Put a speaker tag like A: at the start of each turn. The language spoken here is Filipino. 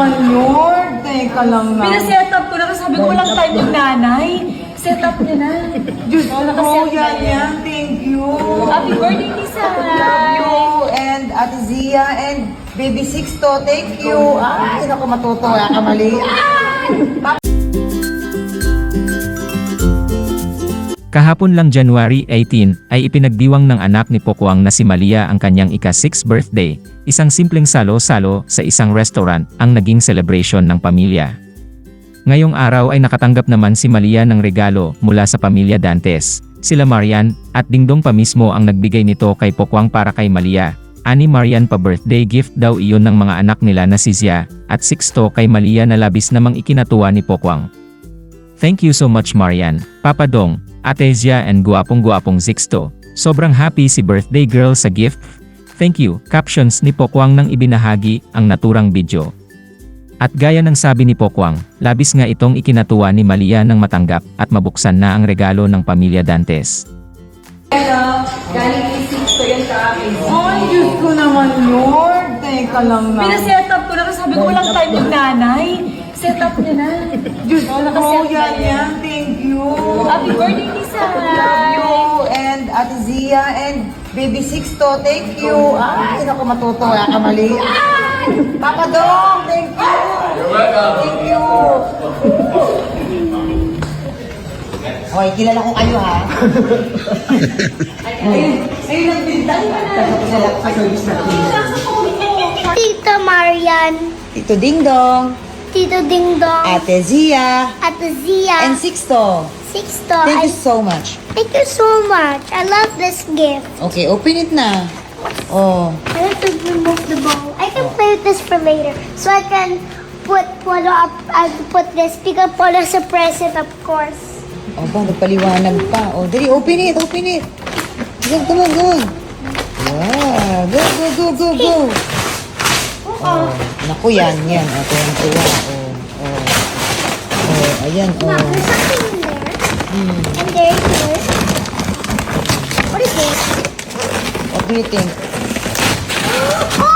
A: naman yun. Teka lang na.
B: Pinaset up ko na kasi sabi ko walang time yung nanay. Set up niya na.
A: Diyos ko,
B: Nakaset na
A: yan. Thank you.
B: Happy birthday, Lisa!
A: Love you. And Ate Zia and Baby Sixto, thank you. Ay, naku, matutuwa ka mali.
C: Kahapon lang January 18 ay ipinagdiwang ng anak ni Pokwang na si Malia ang kanyang ika-6th birthday. Isang simpleng salo-salo sa isang restaurant ang naging celebration ng pamilya. Ngayong araw ay nakatanggap naman si Malia ng regalo mula sa pamilya Dantes. Sila Marian at Dingdong pa mismo ang nagbigay nito kay Pokwang para kay Malia. Ani Marian pa birthday gift daw iyon ng mga anak nila na si Zia at Sixto kay Malia na labis namang ikinatuwa ni Pokwang. Thank you so much Marian, Papa Dong, Ate Zia and guwapong-guwapong Sixto. Sobrang happy si birthday girl sa gift. Thank you, captions ni Pokwang nang ibinahagi ang naturang video. At gaya ng sabi ni Pokwang, labis nga itong ikinatuwa ni Malia nang matanggap at mabuksan na ang regalo ng pamilya Dantes.
B: Galing kay Sixto yan sa akin.
A: Ay, Diyos ko naman yun. Teka lang na.
B: Pinaset up ko na kasi sabi ko walang time yung nanay. Set up niya na.
A: Diyos ko,
B: Nakaset na
A: yan. Thank you.
B: Happy birthday, Lisa!
A: Love you. And Ate Zia and Baby Sixto, thank you. Ay, naku, matutuwa ka mali. Ay, Papa Dong, thank you. You're welcome. Thank you. Hoy, kilala ko kayo ha. Ayun ang pintan ka na.
D: Tita Marian,
A: Tito Dingdong,
D: Tito Dingdong,
A: Ate Zia,
D: Ate Zia,
A: and Sixto.
D: Sixto.
A: Thank you so much.
D: Thank you so much. I love this gift.
A: Okay, open it na. Oh.
D: I have to remove the bowl. I can play with this for later. So I can put Polo up, I can put this because Polo's a present, of course.
A: Oh, ba, nagpaliwanag pa. Oh, dali, open it, open it. Come on, go. Yeah, go. Oh, naku, yan. Oh, tuwa. Oh, ayan,
D: Mom,
A: oh.
D: there's something in there. And there's this. What is this?
A: What do you think?
D: Oh,